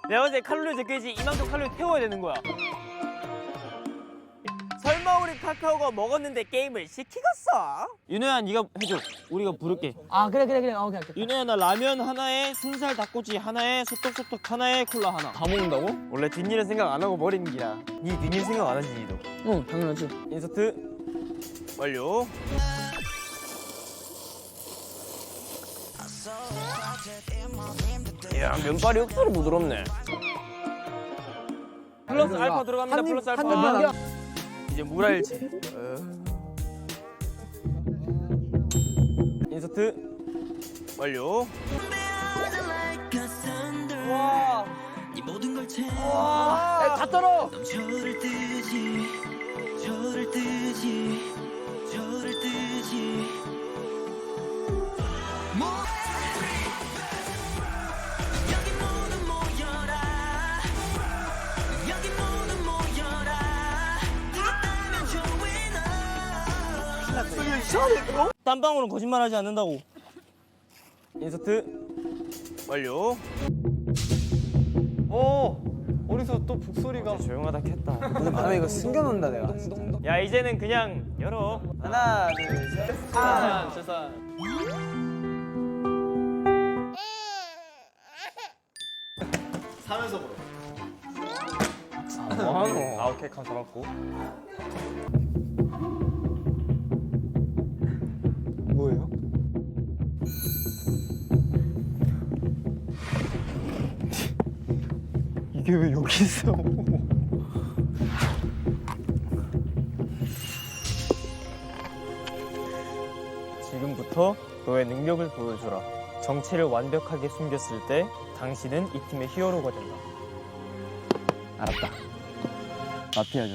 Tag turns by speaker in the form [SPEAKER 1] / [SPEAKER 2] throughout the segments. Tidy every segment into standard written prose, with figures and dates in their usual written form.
[SPEAKER 1] 내가 봤을 때 칼로리 제껴야지 이만큼 칼로리 태워야 되는 거야. 설마 우리 카카오가 먹었는데 게임을 시키겠어? 윤호야 네가 해줘. 우리가 부를게.
[SPEAKER 2] 아 그래. 오케이.
[SPEAKER 1] 윤호야 나 라면 하나에 순살 닭꼬치 하나에 소떡소떡 하나에 콜라 하나.
[SPEAKER 2] 다 먹는다고?
[SPEAKER 1] 원래 뒷일은 생각 안 하고 버리는 기라. 네 뒷일 생각 안 하지 니도.
[SPEAKER 2] 응 당연하지.
[SPEAKER 1] 인서트 완료. 야 면발이 억수로 부드럽네. 플러스 알파 들어갑니다. 플러스 알파. 이제 물알치. 인서트 완료. 와. 와.
[SPEAKER 2] 다 떨어.
[SPEAKER 1] 땀방울은 거짓말하지 않는다고. 인서트 완료.
[SPEAKER 3] 어디서 또 북소리가.
[SPEAKER 1] 조용하다 켰다.
[SPEAKER 3] 오늘 밤에 이거 숨겨놓는다 내가.
[SPEAKER 1] 야 이제는 그냥 열어.
[SPEAKER 3] 하나 둘 셋.
[SPEAKER 1] 재산.
[SPEAKER 3] 사면서 보러.
[SPEAKER 1] 뭐하노? 아 오케이 감 잡았고.
[SPEAKER 3] 뭐예요? 이게 왜 여기 있어?
[SPEAKER 1] 지금부터 너의 능력을 보여주라. 정체를 완벽하게 숨겼을 때 당신은 이 팀의 히어로가 된다.
[SPEAKER 3] 알았다. 마피아죠.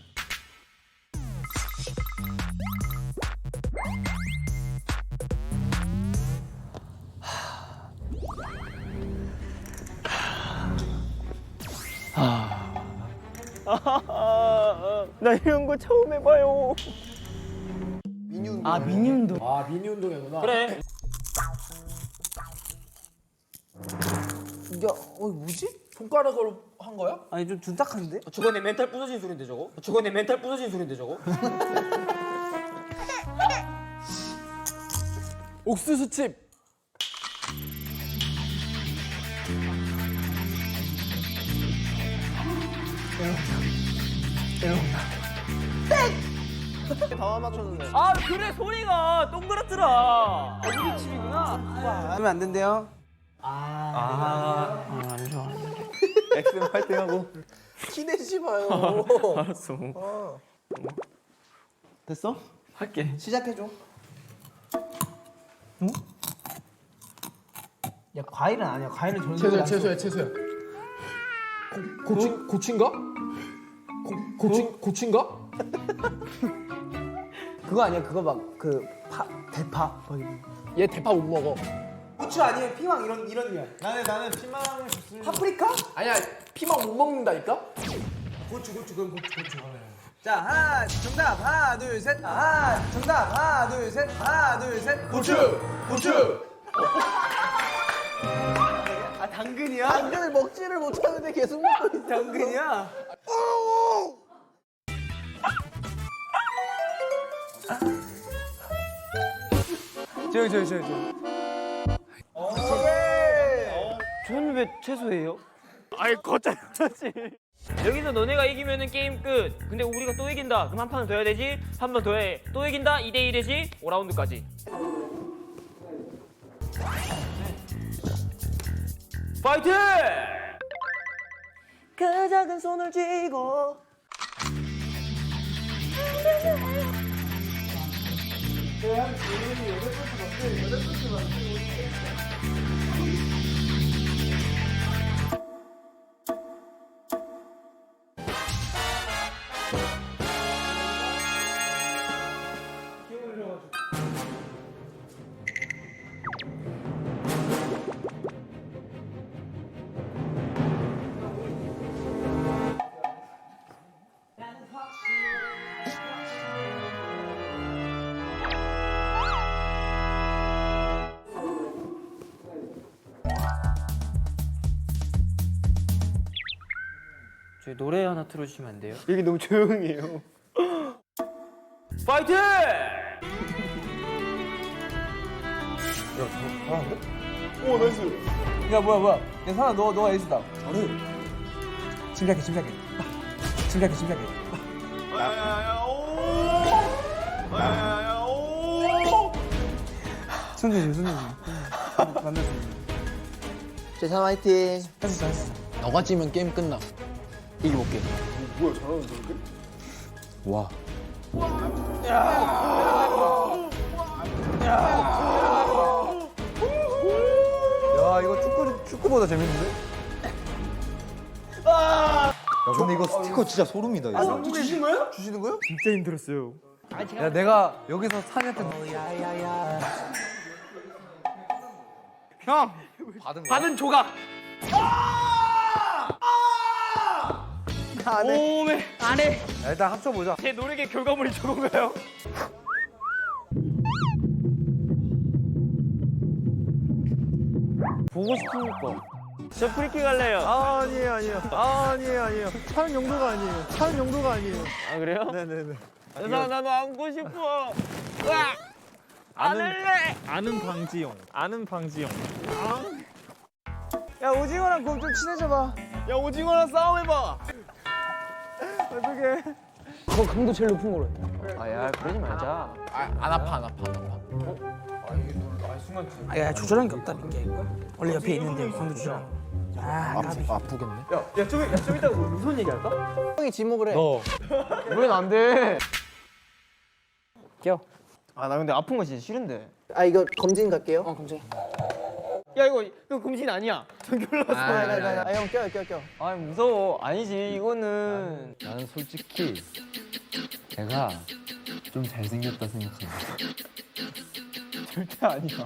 [SPEAKER 1] 나 이런 거 처음 해봐요.
[SPEAKER 2] 아 미니 운동.
[SPEAKER 3] 아 미니 운동이구나.
[SPEAKER 1] 그래.
[SPEAKER 3] 야, 뭐지? 손가락으로 한 거야?
[SPEAKER 2] 아니 좀 둔탁한데?
[SPEAKER 1] 저거 내 멘탈 부서진 소린데 저거? 저거 내 멘탈 부서진 소린데 저거?
[SPEAKER 3] 옥수수칩. 다 맞췄는데.
[SPEAKER 1] 아 그래 소리가 동그랗더라.
[SPEAKER 2] 하면 안 된대요.
[SPEAKER 1] 안 좋아.
[SPEAKER 3] 엑스맨 활동하고. 키내지 마요.
[SPEAKER 1] 알았어.
[SPEAKER 3] 됐어?
[SPEAKER 1] 할게.
[SPEAKER 2] 시작해줘. 응? 야 과일은 아니야. 과일은 저런.
[SPEAKER 3] 채소야. 고추인가? 고추인가?
[SPEAKER 2] 그거 아니야. 그거 막 그 대파.
[SPEAKER 3] 얘 대파 못 먹어.
[SPEAKER 2] 고추 아니면 피망 이런 류야.
[SPEAKER 3] 나는 피망을 줬을.
[SPEAKER 2] 파프리카?
[SPEAKER 3] 아니야, 피망 못 먹는다니까?
[SPEAKER 2] 고추. 자 하나 정답 하나 둘 셋. 정답 하나 둘 셋.
[SPEAKER 3] 고추.
[SPEAKER 2] 아 당근이야? 당근을 먹지를 못하는데 계속 먹고 있어. 당근이야? 저기.
[SPEAKER 1] 저는 왜 채소예요? 아이 거짜리 그렇지. 여기서 너네가 이기면은 게임 끝. 근데 우리가 또 이긴다. 그럼 한 판은 더 해야 되지. 한 번 더 해. 또 이긴다. 2대1이지. 5라운드까지. 파이팅!
[SPEAKER 2] 그 작은 손을 쥐고
[SPEAKER 1] 저희 노래 하나 틀어주시면 안 돼요? 여기 너무 조용해요. 파이팅!
[SPEAKER 2] 야 뭐야 야 사나 너가 에이스다. 저를 침착해 침착해 손주지 만나서
[SPEAKER 3] 재산 화이팅.
[SPEAKER 2] 했어
[SPEAKER 3] 너가 찌면 게임 끝나. 이겨볼게.
[SPEAKER 2] 야 이거 축구보다 재밌는데?
[SPEAKER 4] 야 근데 이거 스티커 진짜 소름이다 이거.
[SPEAKER 2] 아, 주시는 거예요? 주시는 거예요? 진짜 힘들었어요. 야 내가 여기서 사니한테 형
[SPEAKER 1] 받은 조각. 오메 안해.
[SPEAKER 2] 야, 일단 합쳐보자.
[SPEAKER 1] 제 노력의 결과물이 저건가요? 보고 싶으니까. 저 프리킥 할래요.
[SPEAKER 2] 아니에요. 차는 용도가 아니에요.
[SPEAKER 1] 아 그래요?
[SPEAKER 2] 네네네.
[SPEAKER 1] 나도 안고 싶어. 으악! 안 할래.
[SPEAKER 5] 아는 방지용.
[SPEAKER 2] 야 오징어랑 곰 좀 친해져봐.
[SPEAKER 5] 야 오징어랑 싸움해봐.
[SPEAKER 2] 어떡해.
[SPEAKER 3] 그거 강도 제일 높은 거로 해.
[SPEAKER 1] 아야 그러지 말자.
[SPEAKER 3] 안 아파.
[SPEAKER 6] 야 조절한 게 없다니까 이거. 원래 옆에 있는데 강도 조절. 아 까비.
[SPEAKER 3] 아프겠네.
[SPEAKER 1] 좀 이따 무슨 얘기 할까?
[SPEAKER 3] 형이 지목을 해.
[SPEAKER 1] 왜 안 돼? 껴. 아 나 근데 아픈 거 진짜 싫은데.
[SPEAKER 3] 아 이거 검진 갈게요.
[SPEAKER 6] 검증.
[SPEAKER 1] 야 이거 금신 아니야. 전결 났어.
[SPEAKER 3] 형 껴.
[SPEAKER 1] 아 무서워. 아니지 이거는.
[SPEAKER 4] 나는 솔직히 내가 좀 잘생겼다 생각한다.
[SPEAKER 1] 절대 아니야.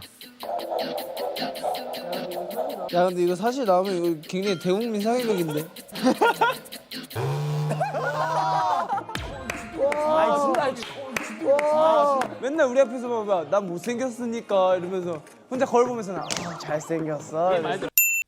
[SPEAKER 2] 야 근데 이거 사실 나오면 이거 굉장히 대국민 상위극인데.
[SPEAKER 6] 아 진짜.
[SPEAKER 2] 맨날 우리 앞에서 막 난 못생겼으니까 이러면서 혼자 거울 보면서 잘생겼어. 이러면서.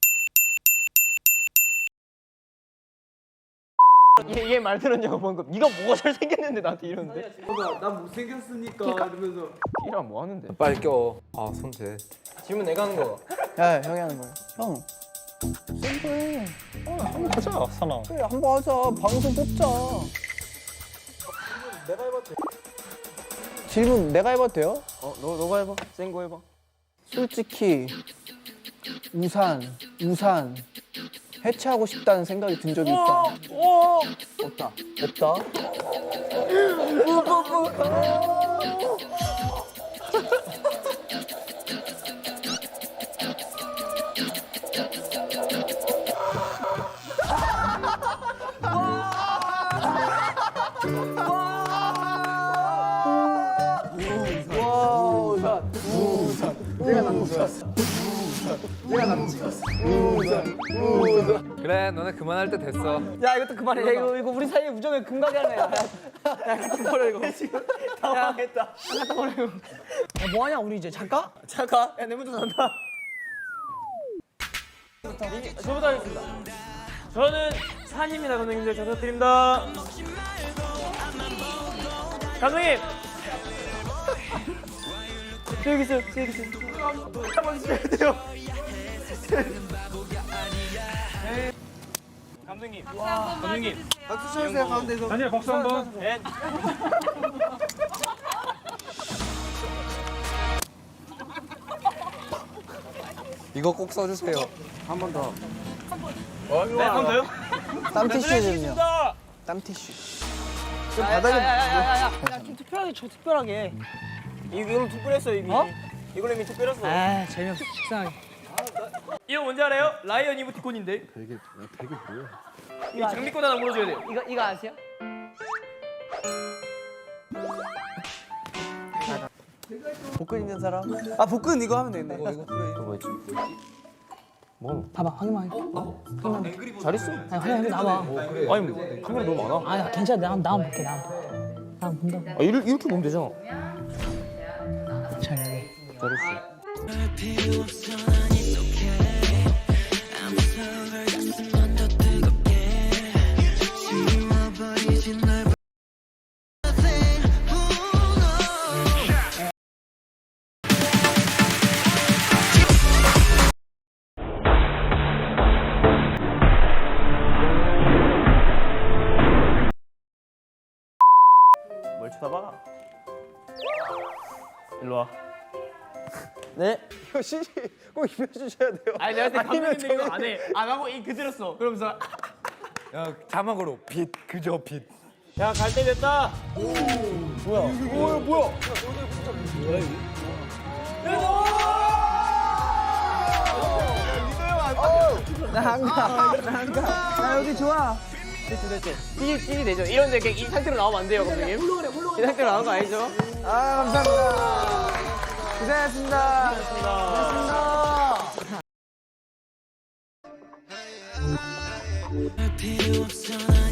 [SPEAKER 1] 얘말 들었냐고 방금. 네가 뭐가 잘생겼는데 나한테 이러는데?
[SPEAKER 2] 난 못생겼으니까 이러면서.
[SPEAKER 1] 이랑 뭐 하는데?
[SPEAKER 4] 빨리 껴. 아 손재.
[SPEAKER 1] 질문 내가 하는 거.
[SPEAKER 3] 야 형이 하는 거야. 형.
[SPEAKER 5] 한번 가자 사나.
[SPEAKER 3] 그래 한번 하자. 방송 뽑자. 질문 내가 해봐도 돼요?
[SPEAKER 1] 너가 해봐. 센 거 해봐.
[SPEAKER 3] 솔직히 우산 해체하고 싶다는 생각이 든 적이 있다. 없다.
[SPEAKER 4] 그래 너네 그만할 때 됐어.
[SPEAKER 6] 야 이것도 그만해. 야, 이거 우리 사이에 우정의 금각이 하네. 야 갖다 버려 이거. 지금 당황했다. 갖다 버려 이거. 야 뭐하냐 우리 이제 잠깐?
[SPEAKER 1] 잠깐. 야 내 먼저 난다. 저부터 하겠습니다. 저는 산입니다 감독님들. 잘 부탁드립니다. 감독님. 여기 있어요. 한번 주셔야 돼요. 감독님. 감독님.
[SPEAKER 2] 박수 쳐주세요 가운데서.
[SPEAKER 5] 다니엘 박수 한번.
[SPEAKER 1] 넷.
[SPEAKER 4] 이거 꼭 써주세요.
[SPEAKER 2] 한 번 더.
[SPEAKER 1] 네, 한 번 더요?
[SPEAKER 3] 땀티슈는요? 땀티슈.
[SPEAKER 6] 야좀 특별하게 줘 특별하게.
[SPEAKER 1] 이거는 특별했어 이미. 이걸로 이미 특별했어.
[SPEAKER 6] 아 재미없어 식상하게.
[SPEAKER 1] 이거 뭔지 알아요? 라이언 이모티콘인데.
[SPEAKER 4] 되게 뭐야?
[SPEAKER 1] 이 장미꽃 하나 물어줘야 돼요.
[SPEAKER 6] 이거 아세요?
[SPEAKER 3] 복근 있는 사람?
[SPEAKER 2] 아 복근 이거 하면 되겠네. 이거.
[SPEAKER 6] 봐봐 확인만 해.
[SPEAKER 1] 잘했어.
[SPEAKER 6] 아니 확인 나와.
[SPEAKER 1] 아니 카메라 너무 많아.
[SPEAKER 6] 아니 괜찮아 내가 한번 볼게 나 한번 본다고.
[SPEAKER 1] 아, 이렇게 보면 되잖아.
[SPEAKER 6] 자 여기.
[SPEAKER 1] 써봐. 일로 와.
[SPEAKER 6] 네.
[SPEAKER 5] 이거 CG 꼭 입혀주셔야 돼요.
[SPEAKER 1] 아니 내가 그때 감독인데 이거 안 해. 안 하고 이 그대로써. 그러면서
[SPEAKER 4] 야 자막으로 빛 그저 빛.
[SPEAKER 1] 야 갈 때 됐다.
[SPEAKER 6] 나 여기 좋아.
[SPEAKER 1] 찌리 되죠. 이런데 그냥 이 상태로 나오면 안 돼요, 감독님. 이 상태로 나오는 거 아니죠?
[SPEAKER 2] 아 감사합니다. 고생하셨습니다.
[SPEAKER 1] 고생하셨습니다.
[SPEAKER 7] 필요 없어 난